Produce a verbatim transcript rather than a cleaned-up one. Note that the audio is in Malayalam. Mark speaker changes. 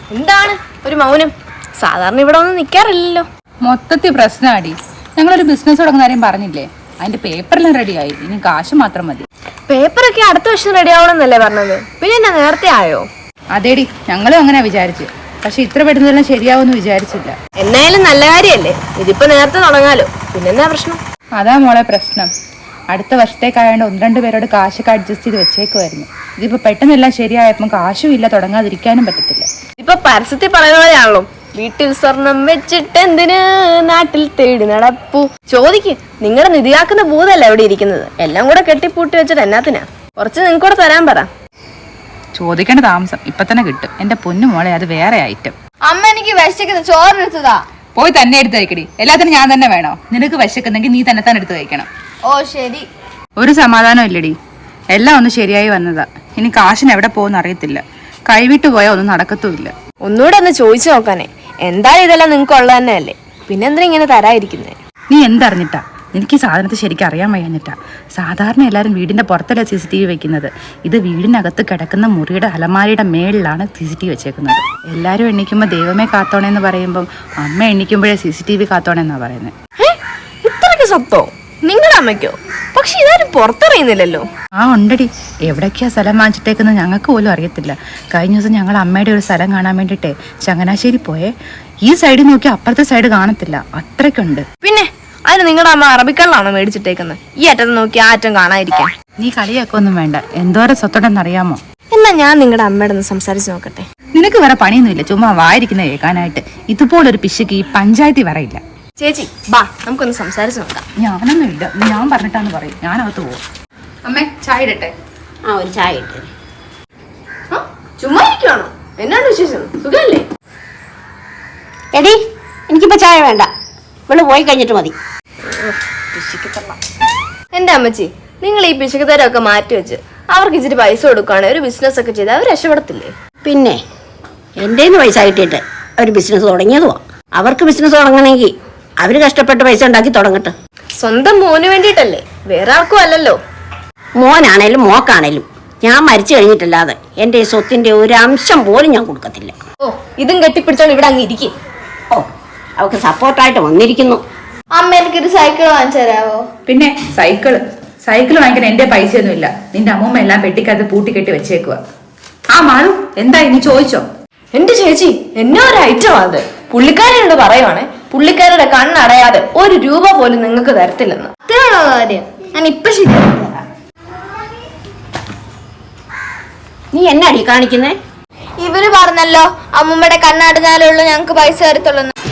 Speaker 1: എന്താണ് ഒരു മൗനം? സാധാരണ ഇവിടെ ഒന്നും നിൽക്കാറില്ലല്ലോ.
Speaker 2: മൊത്തത്തിൽ പ്രശ്നമാടി. ഞങ്ങളൊരു ബിസിനസ് തുടങ്ങുന്ന കാര്യം പറഞ്ഞില്ലേ, അതിന്റെ പേപ്പറെല്ലാം റെഡിയായി, ഇനി കാശ് മാത്രം മതി.
Speaker 1: പേപ്പറൊക്കെ അടുത്ത വർഷം റെഡി ആവണമെന്നല്ലേ പറഞ്ഞത്? പിന്നെ എന്നാ നേരത്തെ ആയോ?
Speaker 2: അതേടി, ഞങ്ങളും അങ്ങനെ വിചാരിച്ചു. പക്ഷെ ഇത്ര പെട്ടെന്നെല്ലാം ശരിയാവുമെന്ന് വിചാരിച്ചില്ല.
Speaker 1: എന്നായാലും നല്ല കാര്യല്ലേ, ഇതിപ്പോ നേരത്തെ തുടങ്ങാലോ. പിന്നെന്നാ പ്രശ്നം?
Speaker 2: അതാ മോളെ പ്രശ്നം. അടുത്ത വർഷത്തേക്കായതുകൊണ്ട് ഒന്ന് രണ്ട് പേരോട് കാശൊക്കെ അഡ്ജസ്റ്റ് ചെയ്ത് വെച്ചേക്കുമായിരുന്നു. ഇതിപ്പോ പെട്ടെന്നെല്ലാം ശരിയായപ്പോൾ കാശും ഇല്ല, തുടങ്ങാതിരിക്കാനും പറ്റത്തില്ല.
Speaker 1: ഇപ്പൊ പരസ്യത്തിൽ പറയുന്ന പോലെയാണല്ലോ, വീട്ടിൽ സ്വർണം വെച്ചിട്ട് എന്തിന് നാട്ടിൽ തേടി നടപ്പു. ചോദിക്ക്, നിങ്ങളുടെ നിധിയാക്കുന്ന ഭൂതല്ല എവിടെ ഇരിക്കുന്നത്? എല്ലാം കൂടെ കെട്ടിപ്പൂട്ടി വെച്ചിട്ട് എന്നാത്തിനാ? കുറച്ച് നിങ്ങൾക്ക് കൂടെ തരാൻ പറ.
Speaker 2: ചോദിക്കേണ്ട താമസം ഇപ്പൊ തന്നെ കിട്ടും. എന്റെ പൊന്നു മോളെ, അത് വേറെ ഐറ്റം.
Speaker 1: അമ്മ എനിക്ക് വിശക്കുന്ന ചോറെടുത്തതാ.
Speaker 2: പോയി തന്നെ എടുത്ത് കഴിക്കടി. എല്ലാത്തിനും ഞാൻ തന്നെ വേണോ? നിനക്ക് വിശക്കുന്നെങ്കിൽ നീ തന്നെ തന്നെ എടുത്ത് കഴിക്കണം.
Speaker 1: ഓ ശരി.
Speaker 2: ഒരു സമാധാനം ഇല്ലടി, എല്ലാം ഒന്ന് ശരിയായി വന്നതാ. ഇനി കാശിന് എവിടെ പോകുന്ന അറിയത്തില്ല. കൈവിട്ട് പോയാൽ ഒന്നും നടക്കത്തുമില്ല.
Speaker 1: ഒന്നുകൂടെ ഒന്ന് ചോദിച്ചു നോക്കാനേ. എന്തായാലും ഇതെല്ലാം നിങ്ങൾക്ക് ഉള്ളത് തന്നെ അല്ലേ, പിന്നെ എന്തിനാ ഇങ്ങനെ തരാതിരിക്കുന്നേ?
Speaker 2: നീ എന്തറിഞ്ഞിട്ടാ? എനിക്ക് ഈ സാധനത്തെ ശരിക്കും അറിയാൻ വയ്യാഞ്ഞിട്ടാ. സാധാരണ എല്ലാവരും വീടിന്റെ പുറത്തല്ല സി സി ടി വി വെക്കുന്നത്. ഇത് വീടിനകത്ത് കിടക്കുന്ന മുറിയുടെ അലമാരിയുടെ മേളിലാണ് സി സി ടി വി വെച്ചേക്കുന്നത്. എല്ലാവരും എണ്ണിക്കുമ്പോൾ ദൈവമേ കാത്തോണെന്ന് പറയുമ്പം അമ്മ എണ്ണിക്കുമ്പോഴേ സി സി ടി വി കാത്തോണെന്നാ പറയുന്നത്.
Speaker 1: ഇത്രയ്ക്ക് സത്തോ നിങ്ങളുടെ അമ്മയ്ക്കോ? പക്ഷെ ഇതാരും പുറത്തറിയുന്നില്ലല്ലോ.
Speaker 2: ആ ഉണ്ടടി, എവിടേക്കാ സ്ഥലം വാങ്ങിച്ചിട്ടേക്കുന്നത് ഞങ്ങൾക്ക് പോലും അറിയത്തില്ല. കഴിഞ്ഞ ദിവസം ഞങ്ങൾ അമ്മയുടെ ഒരു സ്ഥലം കാണാൻ വേണ്ടിയിട്ടേ ചങ്ങനാശ്ശേരി പോയേ. ഈ സൈഡിൽ നോക്കി അപ്പുറത്തെ സൈഡ് കാണത്തില്ല, അത്രയ്ക്കുണ്ട്.
Speaker 1: പിന്നെ അതിന് നിങ്ങളുടെ അമ്മ അറബിക്കള്ളാണോ മേടിച്ചിട്ടേക്കുന്നത്? ഈ അറ്റത്ത് നോക്കി ആ അറ്റം കാണാതിരിക്കാൻ.
Speaker 2: നീ കളിയൊക്കെ ഒന്നും വേണ്ട. എന്തോരം സ്വത്തോടെന്ന് അറിയാമോ?
Speaker 1: എന്നാ ഞാൻ നിങ്ങളുടെ അമ്മയുടെ ഒന്ന് സംസാരിച്ച് നോക്കട്ടെ.
Speaker 2: നിനക്ക് വേറെ പണിയൊന്നുമില്ല, ചുമ്മാ വായിരിക്കുന്ന കേൾക്കാനായിട്ട്. ഇതുപോലൊരു പിശുക്ക് ഈ പഞ്ചായത്തിൽ വരയില്ല.
Speaker 1: ചേച്ചി ബാ, നമുക്കൊന്ന് സംസാരിച്ച് നോക്കാം.
Speaker 2: ഞാനൊന്നും ഇല്ല, ഞാൻ പറഞ്ഞിട്ടാന്ന് പറയും. ഞാനകത്ത് പോകും. അമ്മേ, ചായ ഇടട്ടെ?
Speaker 3: ആ, ഒരു ചായ ഇട്ട്.
Speaker 1: ചുമ്മാ ഇരിക്കുവാണോ? എന്നാണ് വിശേഷം? സുഖല്ലേ?
Speaker 3: എടി, എനിക്കിപ്പോ ചായ വേണ്ട, ഇവള് പോയി കഴിഞ്ഞിട്ട് മതി.
Speaker 1: എന്റെ അമ്മച്ചി, നിങ്ങൾ ഈ പിശുക്കത്തരൊക്കെ മാറ്റി വെച്ച് അവർക്ക് ഇച്ചിരി പൈസ കൊടുക്കുകയാണെങ്കിൽ ഒരു ബിസിനസ് ഒക്കെ ചെയ്ത് അവർ രക്ഷപ്പെടത്തില്ലേ?
Speaker 3: പിന്നെ എൻ്റെ പൈസ കിട്ടിയിട്ട് അവർ ബിസിനസ് തുടങ്ങിയതുവാ. അവർക്ക് ബിസിനസ് തുടങ്ങണമെങ്കിൽ അവര് കഷ്ടപ്പെട്ട് പൈസ ഉണ്ടാക്കി തുടങ്ങട്ടെ.
Speaker 1: സ്വന്തം മോന് വേണ്ടിയിട്ടല്ലേ, വേറെ ആർക്കും അല്ലല്ലോ.
Speaker 3: മോനാണേലും മോക്കാണേലും ഞാൻ മരിച്ചു കഴിഞ്ഞിട്ടല്ലാതെ എൻ്റെ ഈ സ്വത്തിന്റെ ഒരു അംശം പോലും ഞാൻ കൊടുക്കത്തില്ല.
Speaker 1: ഓ, ഇതും കെട്ടിപ്പിടിച്ചോണ്ട് ഇവിടെ അങ്ങ് ഇരിക്കും.
Speaker 3: ഓ, അവൾക്ക് സപ്പോർട്ടായിട്ട് വന്നിരിക്കുന്നു.
Speaker 1: അമ്മ എനിക്കൊരു സൈക്കിൾ വാങ്ങിച്ചു തരാവോ?
Speaker 2: പിന്നെ സൈക്കിള് സൈക്കിൾ വാങ്ങിക്കാൻ എന്റെ പൈസയൊന്നുമില്ല. നിന്റെ അമ്മൂമ്മ എല്ലാം പെട്ടിക്കകത്ത് പൂട്ടി കെട്ടി വെച്ചേക്കുക. ആ മാളു, എന്താ ഇനി ചോദിച്ചോ?
Speaker 1: എന്റെ ചേച്ചി, എന്നാ ഒരു ഐറ്റം അത്. പുള്ളിക്കാരനോട് പറയുവാണേ, പുള്ളിക്കാരുടെ കണ്ണടയാതെ ഒരു രൂപ പോലും നിങ്ങൾക്ക് തരത്തില്ലെന്ന്. അത്രയാണോ കാര്യം? ഞാൻ ഇപ്പൊ ശരിയാക്കി തരാം.
Speaker 3: നീ എന്നാടി കാണിക്കുന്നേ?
Speaker 1: ഇവര് പറഞ്ഞല്ലോ അമ്മൂമ്മയുടെ കണ്ണടഞ്ഞാലേ ഉള്ളൂ ഞങ്ങൾക്ക് പൈസ തരത്തുള്ളൂ.